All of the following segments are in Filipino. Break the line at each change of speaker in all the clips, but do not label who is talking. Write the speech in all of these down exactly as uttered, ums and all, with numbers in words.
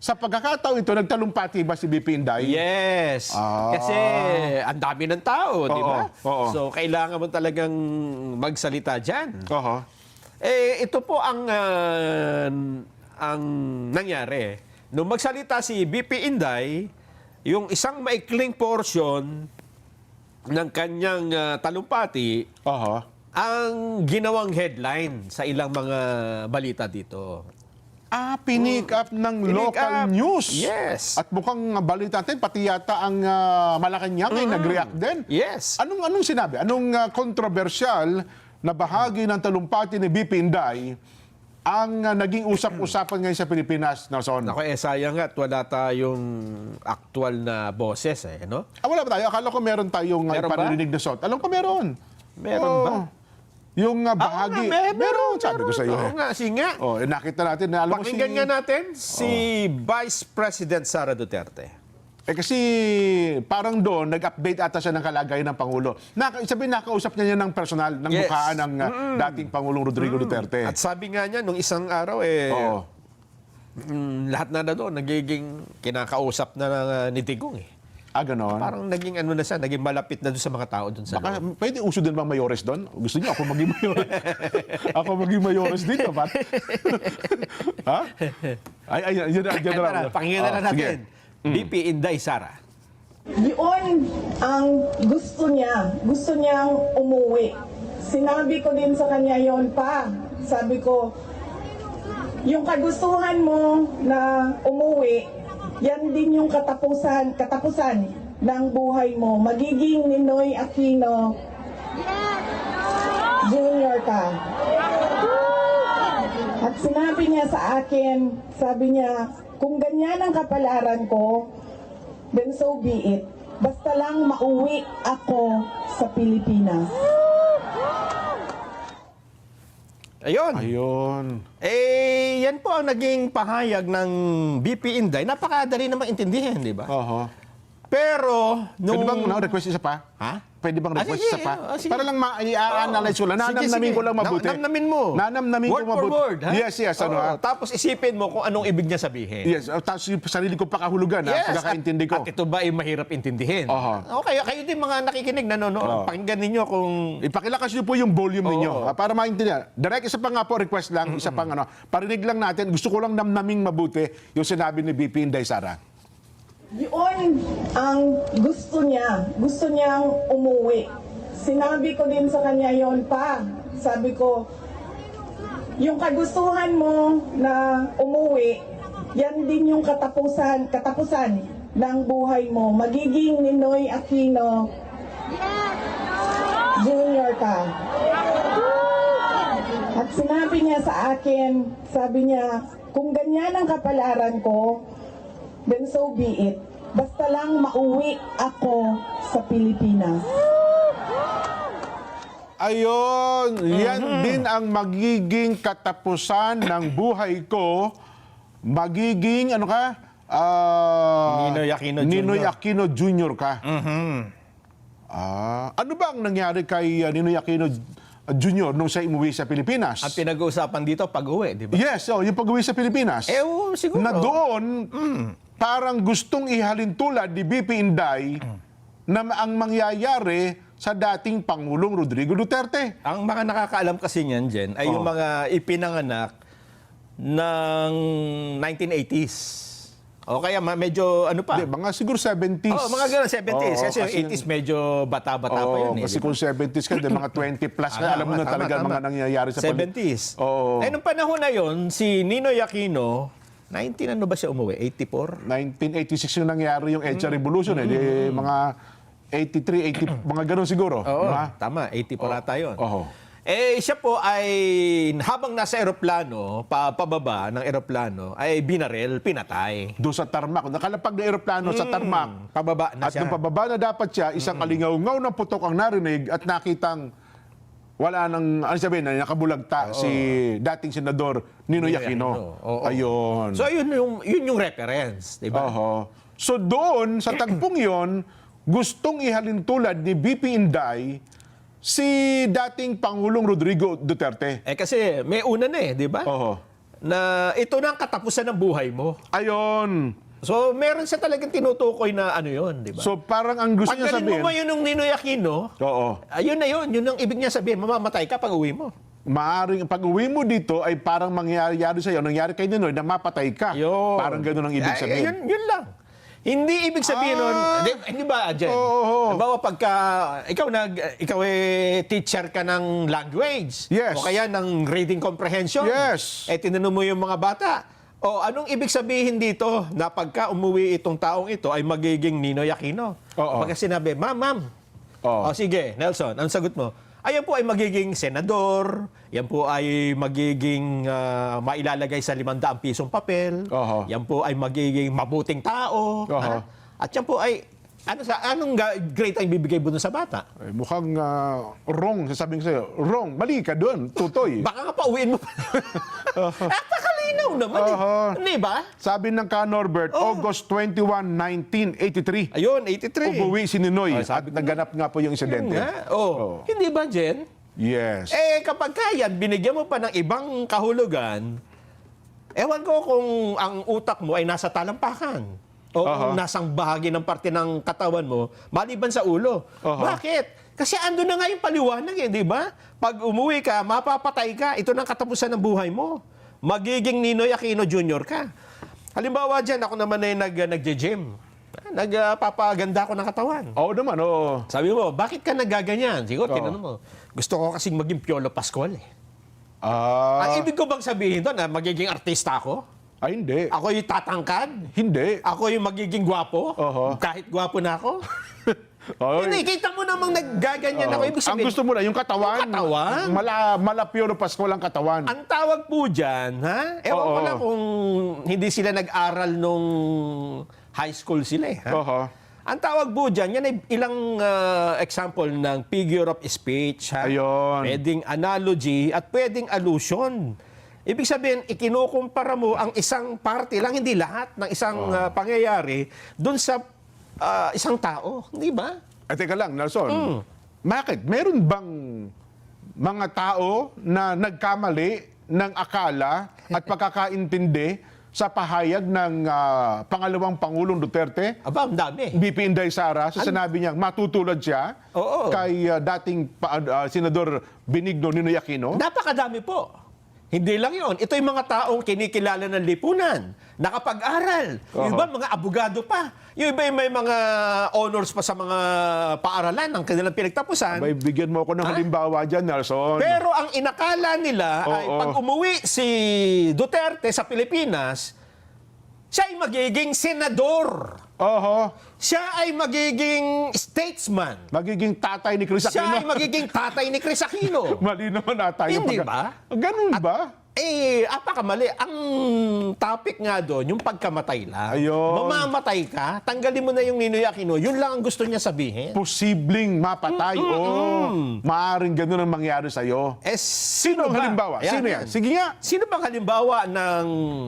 Sa pagkakataon ito, nagtalumpati ba si B P Inday?
Yes.
Ah.
Kasi ang dami ng tao, di ba?
oo.
So, kailangan mo talagang magsalita dyan.
Oho.
Eh, ito po ang, ah, ang nangyari. Nung magsalita si B P Inday, yung isang maikling portion ng kanyang ah, talumpati,
Oho.
ang ginawang headline sa ilang mga balita dito.
Ah, pinick up ng
Pinick
local
up.
news.
Yes.
At mukhang balita natin, pati yata ang uh, Malacanang ay nag-react din.
Yes.
Anong anong sinabi? Anong uh, kontrobersyal na bahagi ng talumpati ni B P Inday ang uh, naging usap-usapan ngayon sa Pilipinas, Nelson?
Ako, eh, sayang nga at wala tayong actual na boses, eh, no?
Ah, wala ba tayo? Akala ko meron tayong uh,
Meron ba?
panirinig na sot. Alam ko meron.
Meron
Oo.
ba?
Yung uh,
Ah,
bahagi.
nga, may-
meron, sabi ko sa iyo.
Oo
Eh.
nga, sige nga.
Oh, eh, nakita natin na alam mo si...
Pakinggan nga natin si Vice President Sara Duterte.
Eh kasi parang doon, nag-update ata siya ng kalagayan ng Pangulo. Naka, sabihin, nakausap niya niya ng personal, ng
Yes.
mukhaan ng uh, dating Pangulong Rodrigo Duterte.
At sabi nga niya, nung isang araw, eh,
Oo.
mm, lahat na na doon, nagiging kinakausap na uh, ni Digong, eh.
Ah, ganon.
Parang naging ano na siya, naging malapit na doon sa mga tao doon sa
Baka,
loob.
pwede uso din bang mayores doon? Gusto niyo ako maging mayores? ako maging mayores din, dapat? ha? Ay, ay, yun, yun, yun,
Eto na, pakinggan na
Oh,
lang natin.
sige.
B P Inday Sara.
Yun ang gusto niya. Gusto niyang umuwi. Sinabi ko din sa kanya yon pa. Sabi ko, yung kagustuhan mo na umuwi, yan din yung katapusan, katapusan ng buhay mo. Magiging Ninoy Aquino Junior ka. At sinabi niya sa akin, sabi niya, kung ganyan ang kapalaran ko, then so be it. Basta lang mauwi ako sa Pilipinas.
Ayun.
Ayun.
Eh, yan po ang naging pahayag ng B P Inday. Napakadali namang intindihin, di ba?
Oho.
Pero, nung...
Pwede bang no, request isa pa?
Ha?
Pwede bang
Ah,
request
sige,
isa pa?
ah, sige.
Para lang ma-i-analyze ko lang.
Sige,
Nanamnamin
sige.
ko lang mabuti.
Na- namnamin mo.
Nanamnamin
word
ko mabuti.
for word, ha?
Yes, yes. Ano,
Oo,
ha?
Tapos isipin mo kung anong ibig niya sabihin.
Yes. oh, Tapos yung sarili ko pakahulugan, ha? Pagkakaintindi ko.
At, at ito ba ay mahirap intindihin?
Oho.
Okay, kayo din mga nakikinig, nanonood.
Oo.
Pakinggan ninyo kung...
Ipakilakas niyo po yung volume ninyo
Oo.
ah, para maintindihan. Direct, isa pa nga po, request lang, isa pang ano, parinig lang natin, gusto ko lang namnaming mabuti yung sinabi ni B P Inday Sara.
Yun ang gusto niya. Gusto niyang umuwi. Sinabi ko din sa kanya yon pa. Sabi ko, yung kagustuhan mo na umuwi, yan din yung katapusan, katapusan ng buhay mo. Magiging Ninoy Aquino Junior ka. At sinabi niya sa akin, sabi niya, kung ganyan ang kapalaran ko, then so be it. Basta lang mauwi ako sa Pilipinas.
Ayun, yan din ang magiging katapusan ng buhay ko. Magiging, ano ka? Ah,
Ninoy Aquino
Ninoy
Junior.
Aquino Junior ka. Ah, ano ba ang nangyari kay uh, Ninoy Aquino Junior nung siya umuwi sa Pilipinas?
At pinag-uusapan dito pag-uwi, di ba?
Yes, oh, yung pag-uwi sa Pilipinas.
Eh, oo, siguro.
Na doon, parang gustong ihalin tulad ni B P Inday na ang mangyayari sa dating Pangulong Rodrigo Duterte.
Ang mga nakakaalam kasi niyan, Jen, ay yung
Oo.
mga ipinanganak ng nineteen eighties. O kaya ma- medyo ano pa?
Hindi, mga siguro seventies.
Oh, mga ganun, seventies.
Oo,
kasi yung eighties medyo bata-bata pa
Oo,
yun. Eh,
kasi
di ba?
kung seventies ka, di, mga twenty plus ka,
Ah,
alam mo
tama,
na talaga
tama,
mga
tama.
nangyayari sa pali-
seventies.
Oo.
Eh, nung panahon na yon, si Ninoy Aquino, nineteen ano ba siya umuwi? eighty-four?
nineteen eighty-six yung nangyari yung EDSA Revolution. Eh, di, mga eighty-three, eighty, mga ganun siguro.
Oo,
Diba?
tama. eighty-four ata yun.
Oo.
Eh, siya po ay, habang nasa eroplano, pa, pababa ng eroplano, ay binaril, pinatay.
Doon sa tarmac. Nakalapag na aeroplano sa tarmac.
Pababa na
At
siya.
nung pababa na dapat siya, isang alingaw-ngaw na putok ang narinig at nakitang wala nang, ano sabihin, na nakabulagta si dating senador Ninoy
Ninoy
Aquino.
Aquino. Oo.
Ayun.
So, yun yung, yun yung reference, di ba?
Oho. So doon, sa tagpong yon, gustong ihalin tulad ni B P Inday si dating Pangulong Rodrigo Duterte.
Eh, kasi may una na eh, di ba?
Oho.
na ito na ang katapusan ng buhay mo.
Ayon.
So, meron siya talagang tinutukoy na ano yun, di ba?
So parang ang gusto niya
Pagkalin
sabihin,
mo ba yun ng Ninoy Aquino,
oo,
ayun na yun, yun ang ibig niya sabihin, mamamatay ka pag uwi mo.
maaring pag uwi mo dito ay parang mangyayari sa iyo, nangyari kay Ninoy na mapatay ka.
Yun.
Parang gano'n ang ibig
Ay,
sabihin.
Yun, yun lang. Hindi ibig sabihin nun,
Ah.
di, hindi ba, Jen?
Oo.
Halimbawa, pagka ikaw, nag, ikaw eh, teacher ka ng language,
Yes.
o kaya ng reading comprehension,
Yes.
eh tinanong mo yung mga bata, o anong ibig sabihin dito na pagka umuwi itong taong ito ay magiging Ninoy Aquino?
Oo.
Pagka sinabi, ma'am, ma'am,
Oo.
o sige, Nelson, ang sagot mo? Ayan po ay magiging senador, yan po ay magiging ah, mailalagay sa limandaan pisong papel,
Oho.
yan po ay magiging mabuting tao,
Oho.
ha? At yan po ay, ano sa anong ga- grade ang bibigay mo dun sa bata?
Ay, mukhang ah, wrong, sasabihin ko sa'yo. Wrong, mali ka doon, tutoy.
Baka nga pauwiin mo pa. Napakalinaw naman eh.
Oho.
Hindi ba?
Sabi ng ka Norbert,
Oh.
August twenty-first, nineteen eighty-three.
Ayun, eighty-three.
Umuwi si Ninoy
Oh,
at
sabi ko
naganap nga po yung
Yun
insidente.
nga. Oh.
Oo.
Hindi ba, Jen?
Yes.
Eh, kapag kaya, binigyan mo pa ng ibang kahulugan, ewan ko kung ang utak mo ay nasa talampakan o kung
Aha.
nasang bahagi ng parte ng katawan mo, maliban sa ulo.
Aha.
Bakit? Kasi ando na nga yung paliwanag eh, di ba? Pag umuwi ka, mapapatay ka, ito na ang katapusan ng buhay mo. Magiging Ninoy Aquino Junior ka. Halimbawa dyan, ako naman ay nag, nag-gym. Nagpapaganda ako ng katawan.
Oo naman, oo.
Sabi mo, bakit ka nagaganyan? Siguro,
Oo.
tinanong mo. Gusto ko kasing maging Piolo Pascual eh.
Ah,
Ang ibig ko bang sabihin doon na magiging artista ako?
ay, hindi.
Ako yung tatangkad?
Hindi.
Ako yung magiging gwapo?
Oho.
Kahit gwapo na ako?
Oy.
Hindi, kita mo namang naggaganyan ako. Ibig
ang
sabihin,
gusto mo na, yung katawan.
Yung katawan?
Mala, mala Piolo Pascual ang katawan.
ang tawag po dyan, ha? Ewan ko
Oo.
lang kung hindi sila nag-aral nung high school sila eh. Ha?
Oho.
Ang tawag po dyan, yan ay ilang ah, example ng figure of speech. Ha?
Ayun.
Pwedeng analogy at pwedeng allusion. Ibig sabihin, ikinukumpara mo ang isang parte lang, hindi lahat ng isang ah, pangyayari dun sa ah, isang tao. Hindi ba?
Ay, teka lang, Nelson.
Mm.
Bakit? Meron bang mga tao na nagkamali ng akala at pagkakaintindi sa pahayag ng ah, pangalawang Pangulong Duterte?
Aba, ang dami.
B P Inday Sara, sa sinabi niya, matutulad siya
Oo.
kay ah, dating pa- ah, Senador Benigno Ninoy Aquino?
Napakadami po. Hindi lang yon. Ito yung mga taong kinikilala ng lipunan, nakapag-aral. Yung
Oo.
iba, mga abogado pa. Yung iba, yung may mga honors pa sa mga paaralan ng kanilang pinagtapusan.
May bigyan mo ako ng halimbawa dyan, Nelson.
Pero ang inakala nila ay
Oo.
pag umuwi si Duterte sa Pilipinas, siya ay magiging senador.
Oho.
Siya ay magiging statesman.
Magiging tatay ni Chris
Siya ay
Aquino.
magiging tatay ni Chris Aquino.
Mali naman ata yung
Hindi
pagka-
ba?
Ganun ba?
Eh, apakamali. Ang topic nga doon, yung pagkamatay lang.
Ayun.
Mamamatay ka, tanggalin mo na yung Ninoy Aquino. Yun lang ang gusto niya sabihin.
Posibleng mapatay.
Mm,
Oh, maaring ganun ang mangyari sa'yo.
Eh,
Sino ang
ba?
halimbawa?
Ayan,
Sino yan?
yan.
Sige nga.
Sino bang halimbawa ng...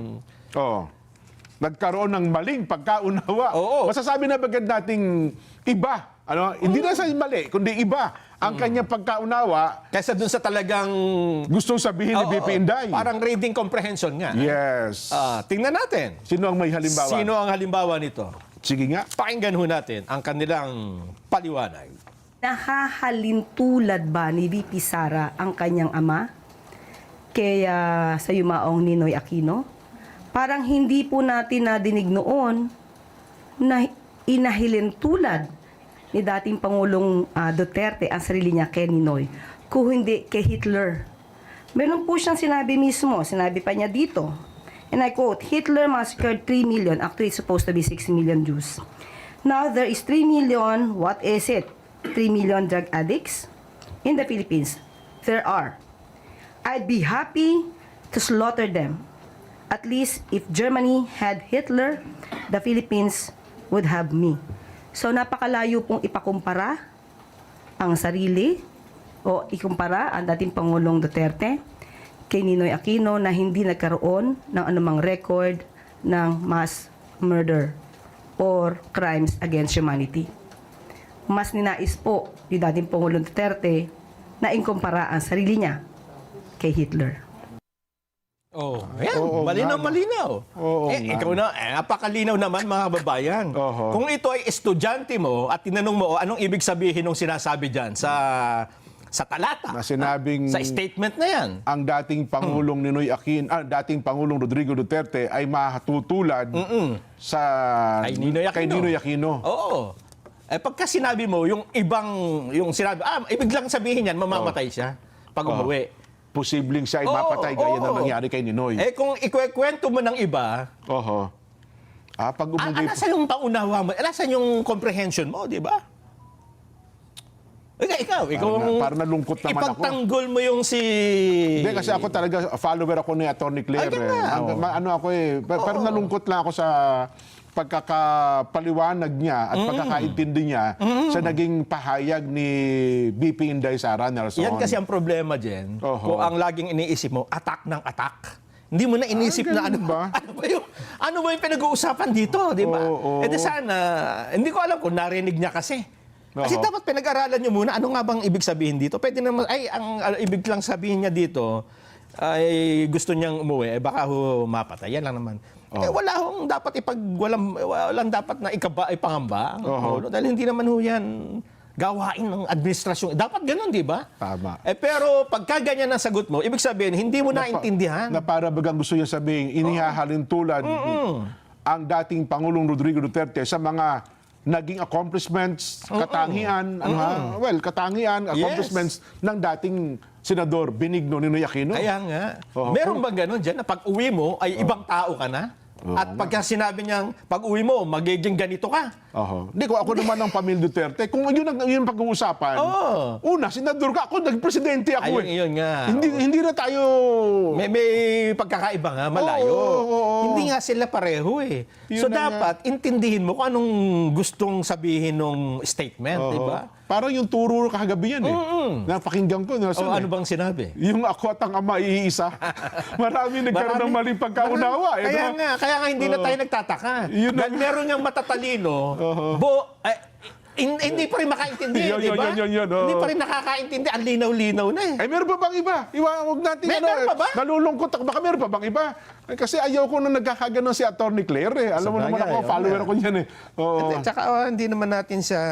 Oh. Nagkaroon ng maling pagkaunawa.
Oo.
Masasabi na bagad nating iba. Ano? Hindi na sa mali, kundi iba ang kanyang pagkaunawa
Kaysa dun sa talagang...
gustong sabihin ni
Oo,
B P Inday.
Parang reading comprehension nga.
Yes.
Ah, tingnan natin.
Sino ang may halimbawa?
Sino ang halimbawa nito?
Sige nga.
Pakinggan ho natin ang kanilang paliwanag.
Nahahalintulad ba ni V P Sara ang kanyang ama kaya sa yumaong Ninoy Aquino? Parang hindi po natin nadinig noon na inahilintulad ni dating Pangulong ah, Duterte ang sarili niya kay Ninoy, kung hindi kay Hitler. Meron po siyang sinabi mismo, sinabi pa niya dito, and I quote, Hitler massacred three million, actually it's supposed to be six million Jews. Now there is three million, what is it? three million drug addicts in the Philippines. There are. I'd be happy to slaughter them. At least if Germany had Hitler, the Philippines would have me. So napakalayo pong ipakumpara ang sarili o ikumpara ang dating Pangulong Duterte kay Ninoy Aquino na hindi nagkaroon ng anumang record ng mass murder or crimes against humanity. Mas ninais po ni dating Pangulong Duterte na ikumpara ang sarili niya kay Hitler.
Oh, yan.
Oo
malinaw,
nga, no?
malinaw.
Oo
eh,
nga.
ikaw na, eh, napakalinaw naman mga babayan.
Oho.
Kung ito ay estudyante mo at tinanong mo, anong ibig sabihin ng sinasabi dyan sa sa talata?
Na sinabing
Sa statement na yan.
ang dating Pangulong Ninoy Aquino, ah, dating Pangulong Rodrigo Duterte ay mahatutulad sa
Kay Ninoy Aquino.
kay Ninoy Aquino.
Oo. Eh, pagka sinabi mo, yung ibang, yung sinabi, ah, ibig lang sabihin yan, mamamatay siya pag umuwi.
Posibleng siya ay
Oo,
mapatay gaya
oo.
na nangyari kay Ninoy.
Eh, kung ikwekwento mo ng iba,
Oho. Ah, pag
ah,
umugay...
alasan yung paunawa mo, alasan yung comprehension mo, di ba? Ikaw, ikaw, ikaw
Parang na- parang nalungkot naman ako.
ipagtanggol mo yung si...
Hindi, kasi ako talaga, follower ako ni Atty. Claire.
Ay,
Eh.
nga,
Ang-
oo.
ma- ano ako eh, pa- parang nalungkot lang ako sa pagkakapaliwanag niya at pagkakaintindi niya sa naging pahayag ni B P Inday Sara Nelson.
Yan kasi ang problema, Jen.
Oho.
Kung ang laging iniisip mo, attack ng attack. Hindi mo na inisip
Ah,
na ano
ganun ba?
Ano ba yung, ano ba yung pinag-uusapan dito, di ba?
Oo, oo.
Eh di sana, hindi ko alam kung narinig niya kasi. Kasi
Oho.
dapat pinag-aralan niyo muna, ano nga bang ibig sabihin dito? Pwede naman, ay, ang uh, ibig lang sabihin niya dito, ay gusto niyang umuwi, eh baka ho mapatay. Yan lang naman. Eh, wala hong dapat ipag, walang, walang dapat na ikaba, ipangamba. ang
Oho.
Pangulo. Dahil hindi naman ho yan gawain ng administrasyon. Dapat ganun, di ba?
Tama.
Eh, pero pagka ganyan ang sagot mo, ibig sabihin, hindi mo naintindihan.
Na para bagang gusto niya sabihin, inihahalin tulad ang dating Pangulong Rodrigo Duterte sa mga naging accomplishments, katangian, ano ha? Well, katangian, accomplishments ng dating Senador Benigno Ninoy Aquino.
Kaya nga.
Oo.
Meron bang ganun dyan na pag uwi mo ay ibang tao ka na? At pagka sinabi niyang pag uwi mo, magiging ganito ka.
Oho. Hindi ko ako naman ng pamilya Duterte. Kung yun ang yun ang pag-uusapan.
Oo.
Una, senador ka. Ako nagpresidente ako
Ayun,
eh.
yun nga.
Hindi hindi na tayo
May, may pagkakaiba nga, malayo.
Oo, oo, oo.
Hindi nga sila pareho eh.
Yun
so
na
dapat, intindihin mo kung anong gustong sabihin ng statement,
Oo.
di ba?
Parang yung turo kagabi yan eh. Napakinggan ko. Nelson,
O
eh.
ano bang sinabi?
Yung ako at ang ama iisa. Marami nagkaroon ng maling pagkaunawa. Eh,
Kaya
no?
nga, kaya nga hindi na tayo nagtataka.
Yun
Dahil meron niyang matatalino, bo, eh, hin- hindi pa rin makaintindi,
Yun,
di
yun,
ba?
yun, yun, yun, oo.
Hindi pa rin nakakaintindi. Ang linaw-linaw na eh.
Ay, meron pa bang iba? Iwa, huwag natin,
May-
ano,
meron pa ba?
nalulungkot ako. Baka meron pa bang iba? Eh, kasi ayaw ko na nagkakaganon si Atty. Claire eh. Alam mo
Sabagay,
naman ako,
oo
follower
nga.
ko niyan eh. Oo.
At, at saka oh, hindi naman natin siya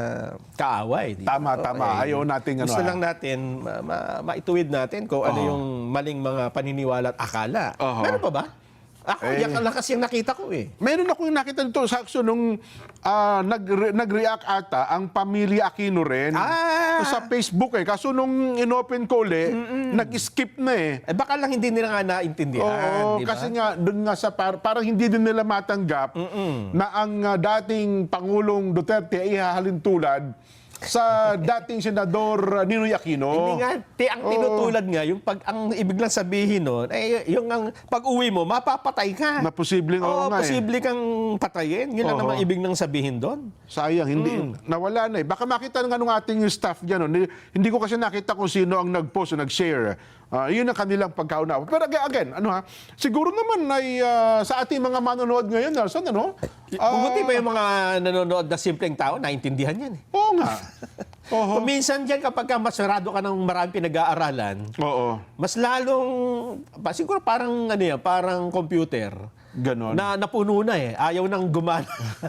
kaaway. Di ba?
Tama, tama. Ayaw nating ano,
Gusto
ah.
lang natin ma- ma- maituwid natin kung ano yung maling mga paniniwala at akala.
Oo.
Meron pa ba? Ako,
Eh.
yan lang kasi yung nakita ko eh.
Meron ako yung nakita nito sa action nung ah, nag- nag-react ata ang pamilya Aquino rin
Ah!
sa Facebook eh. Kaso nung inopen ko uli, nag-skip na eh.
Eh baka lang hindi nila nga naintindihan.
Oo,
di ba?
kasi nga doon nga sa par- parang hindi din nila matanggap na ang ah, dating Pangulong Duterte ay ihahalin tulad sa dating Senador uh, Ninoy Aquino.
Hindi nga, ti, ang
Oo.
tinutulad nga, yung pag, ang ibig lang sabihin nun, eh, yung ang pag-uwi mo, mapapatay ka.
Na posibleng oo
Oo,
nga eh.
posible kang patayin. Yun lang
Oo.
naman ibig nang sabihin doon.
Sayang, hindi,
Mm.
nawala na eh. Baka makita nga nung ating staff dyan. No? Hindi, hindi ko kasi nakita kung sino ang nag-post o nag-share. Ah, yun ang kanilang pagkaunawa. Pero aga- again, ano ha, siguro naman ay ah, sa ating mga manonood ngayon, Nelson, ano? Ah,
Buti pa yung mga nanonood na simpleng tao, naintindihan yan eh.
Oo nga. Oo.
Kung minsan dyan, kapag ka masarado ka ng maraming pinag-aaralan,
Oo.
mas lalong, pa, siguro parang, ano yan, parang computer.
Ganon.
Na napuno na eh. Ayaw nang gumana.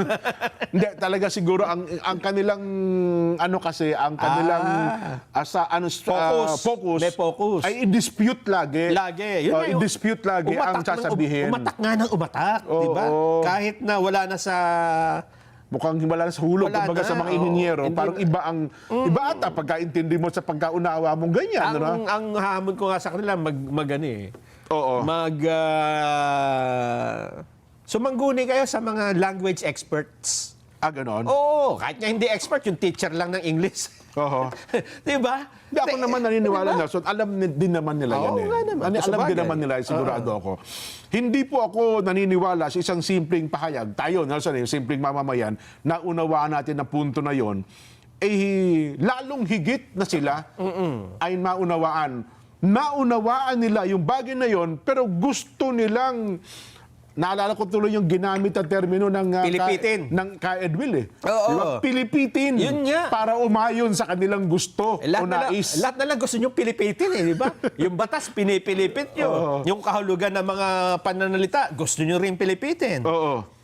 Hindi, talaga siguro ang ang kanilang ano kasi ang kanilang
Ah.
asa ano ah,
Focus.
focus
May focus.
ay i-dispute lagi.
Lagi. Yun
Oh,
nga yung-
i-dispute lagi ang
Umatak ng-
sasabihin.
umatak nga ng umatak,
Oo,
di ba?
oo.
Kahit na wala na sa...
Mukhang wala na sa hulog
Wala
kumbaga
na,
sa mga
oo.
ininyero.
Hindi
Parang
na-
iba ang iba ata pagkaintindi mo sa pagkaunawa mong ganyan,
ang,
ano?
ang hamon ko nga sa kanila, mag, mag ano eh.
Oo.
Mag... ah, sumangguni kayo sa mga language experts.
Ah, ganon.
Oo, kahit nga hindi expert, yung teacher lang ng English.
Oo.
di ba?
Hindi ako naman naniniwala, Nelson. Alam ni- din naman nila yan
Oo
eh.
nga naman.
Ani-
Sa
alam din
bagay.
naman nila, sigurado ako. Hindi po ako naniniwala sa isang simpleng pahayag. Tayo, Nelson, yung simpleng mamamayan, na unawaan natin na punto na yon, eh, lalong higit na sila ay maunawaan. Naunawaan nila yung bagay na yon, pero gusto nilang naalala ko tuloy yung ginamit na termino ng, uh,
Pilipitin.
Ka, ng Ka Edwil eh.
Oo.
Di ba? Pilipitin.
Yun nga.
Para umayon sa kanilang gusto
Eh,
o
lahat, na, lang-
nais.
lahat na lang gusto nyo pilipitin eh, di ba? Yung batas, pinipilipit nyo.
Oo.
Yung kahulugan ng mga pananalita, gusto nyo rin pilipitin.
Oo.